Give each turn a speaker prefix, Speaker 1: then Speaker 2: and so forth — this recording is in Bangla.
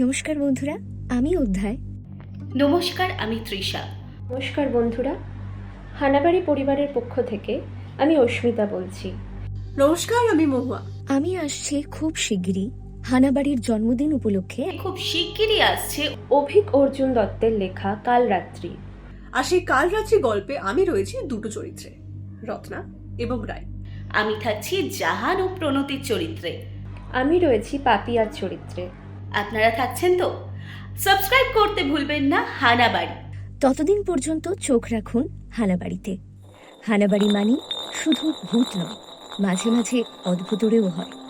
Speaker 1: নমস্কার বন্ধুরা, আমি অধ্যায়।
Speaker 2: নমস্কার, আমি তৃষা।
Speaker 3: নমস্কার বন্ধুরা, হানাবাড়ি পরিবারের পক্ষ থেকে আমি অস্মিতা বলছি।
Speaker 4: নমস্কার, আমি মহুয়া।
Speaker 1: আমি আসছি খুব শিগগিরই হানাবাড়ির জন্মদিন উপলক্ষে।
Speaker 2: খুব শিগগিরই আসছে
Speaker 3: অভিক অর্জুন দত্তের লেখা কাল রাত্রি।
Speaker 4: আর সেই কাল রাত্রি গল্পে আমি রয়েছি দুটো চরিত্রে, রত্না এবং রায়।
Speaker 2: আমি থাকছি জাহান ও প্রণতির চরিত্রে।
Speaker 3: আমি রয়েছি পাপিয়ার চরিত্রে।
Speaker 2: আপনারা থাকছেন তো? সাবস্ক্রাইব করতে ভুলবেন না হানাবাড়ি।
Speaker 1: ততদিন পর্যন্ত চোখ রাখুন হানাবাড়িতে। হানাবাড়ি মানি শুধু ভূত নয়, মাঝে মাঝে অদ্ভুতরেও হয়।